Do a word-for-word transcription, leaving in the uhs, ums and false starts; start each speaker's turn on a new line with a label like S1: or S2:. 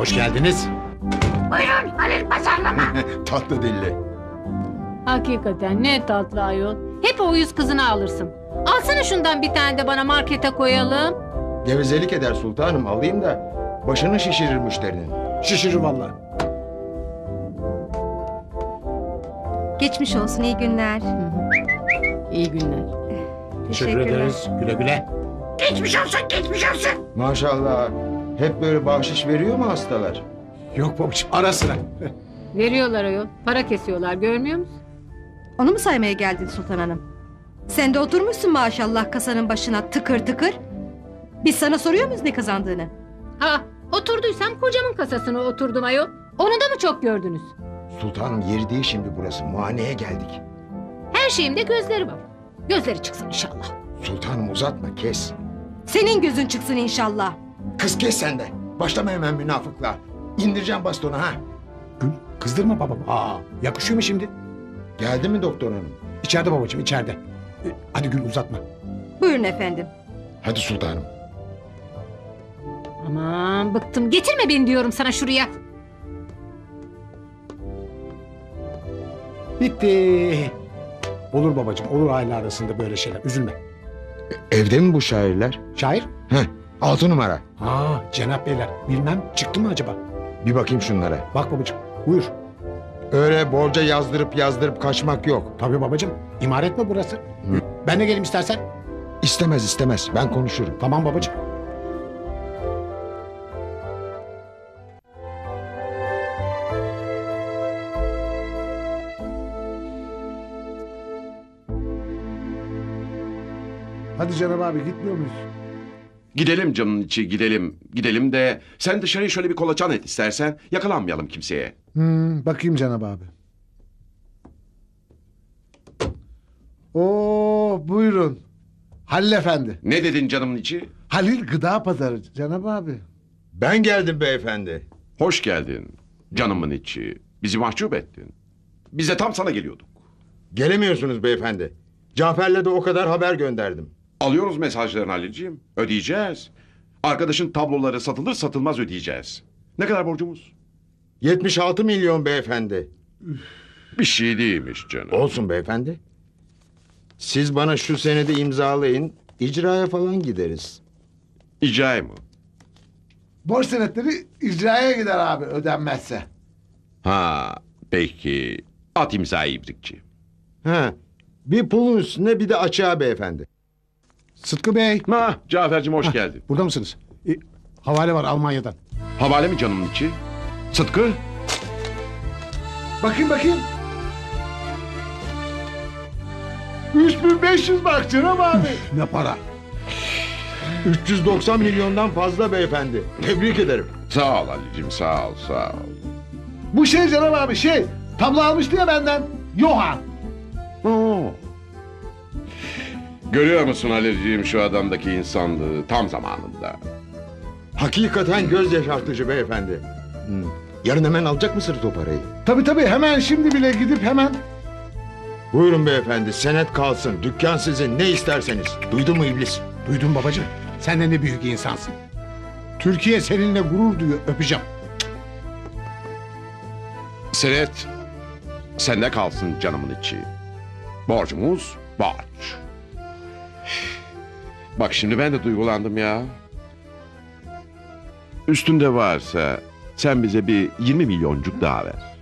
S1: Hoş geldiniz.
S2: Buyurun Halil pazarlama.
S3: Tatlı dilli.
S4: Hakikaten ne tatlı ayol. Hep o yüz kızını alırsın. Alsana şundan bir tane de bana markete koyalım.
S3: Gevezelik eder sultanım, alayım da başını şişirir müşterinin.
S1: Şişirir vallahi.
S5: Geçmiş olsun, iyi günler.
S4: İyi günler.
S1: Teşekkür ederiz. Güle güle.
S2: Geçmiş olsun geçmiş olsun.
S3: Maşallah. Hep böyle bahşiş veriyor mu hastalar?
S1: Yok babacığım, ara sıra.
S4: Veriyorlar ayol. Para kesiyorlar, görmüyor musun?
S5: Onu mu saymaya geldin Sultan Hanım? Sen de oturmuşsun maşallah kasanın başına tıkır tıkır. Biz sana soruyor muyuz ne kazandığını?
S4: Ha, oturduysam kocamın kasasına oturdum ayol. Onu da mı çok gördünüz?
S3: Sultanım, yeri değil şimdi burası. Muayeneye geldik.
S4: Her şeyimde gözleri var. Gözleri çıksın inşallah.
S3: Sultanım uzatma, kes.
S5: Senin gözün çıksın inşallah.
S3: Kız kes sen de. Başlama hemen münafıklığa. İndireceğim bastonu ha.
S1: Gül, kızdırma babam. Aa, yakışıyor mu şimdi?
S3: Geldi mi doktor hanım?
S1: İçeride babacığım, içeride. E, Hadi Gül, uzatma.
S5: Buyurun efendim.
S3: Hadi sultanım.
S4: Aman bıktım. Getirme beni diyorum sana şuraya.
S1: Bitti. Olur babacığım, olur aile arasında böyle şeyler. Üzülme.
S3: Evde mi bu şairler?
S1: Şair?
S3: Heh, altı numara.
S1: Ha, Cenap Beyler. Bilmem, çıktı mı acaba?
S3: Bir bakayım şunlara.
S1: Bak babacığım, buyur.
S3: Öyle borca yazdırıp yazdırıp kaçmak yok.
S1: Tabii babacığım, imaret mi burası? Ben de geleyim istersen.
S3: İstemez istemez, ben konuşurum.
S1: Tamam babacığım.
S6: Hadi Cenab abi, gitmiyor muyuz?
S7: Gidelim canın içi gidelim. Gidelim de sen dışarıyı şöyle bir kolaçan et istersen. Yakalanmayalım kimseye.
S6: Hmm, bakayım Cenab abi. Oo, buyurun. Halil efendi.
S7: Ne dedin canımın içi?
S6: Halil Gıda Pazarı Cenab abi.
S3: Ben geldim beyefendi.
S7: Hoş geldin canımın içi. Bizi mahcup ettin. Biz de tam sana geliyorduk.
S3: Gelemiyorsunuz beyefendi. Cafer'le de o kadar haber gönderdim.
S7: Alıyoruz mesajlarını Halilciğim. Ödeyeceğiz. Arkadaşın tabloları satılır satılmaz ödeyeceğiz. Ne kadar borcumuz?
S3: yetmiş altı milyon beyefendi.
S7: Bir şey değilmiş canım.
S3: Olsun beyefendi. Siz bana şu senedi imzalayın. İcraya falan gideriz.
S7: İcai mı?
S6: Borç senetleri icraya gider abi ödenmezse.
S7: Ha peki. At imzayı ibrikçi.
S3: Ha, bir pulun üstüne bir de açığa beyefendi.
S1: Sıtkı Bey.
S7: Ha Cafer'cim hoş
S1: Hah,
S7: geldin.
S1: Burada mısınız? E, havale var Almanya'dan.
S7: Havale mi canımın içi? Sıtkı?
S6: Bakayım bakayım. üç bin beş yüz bak Cenab abi.
S1: Ne para?
S3: üç yüz doksan milyondan fazla beyefendi. Tebrik ederim.
S7: Sağ ol Ali'cim sağ ol sağ ol.
S6: Bu şey Cenab abi şey. Tablo almıştı ya benden. Johan.
S7: Oo. Görüyor musun Halilciğim şu adamdaki insanlığı tam zamanında.
S3: Hakikaten göz yaşartıcı beyefendi. Hmm. Yarın hemen alacak mısınız o parayı?
S6: Tabii tabii, hemen şimdi bile gidip hemen.
S3: Buyurun beyefendi, senet kalsın. Dükkan sizin, ne isterseniz. Duydun mu iblis?
S1: Duydum babacığım. Sen de ne büyük insansın. Türkiye seninle gurur duyuyor. Öpeceğim.
S7: Senet sende kalsın canımın içi. Borcumuz borç. Bak şimdi ben de duygulandım ya. Üstünde varsa sen bize bir yirmi milyoncuk daha ver.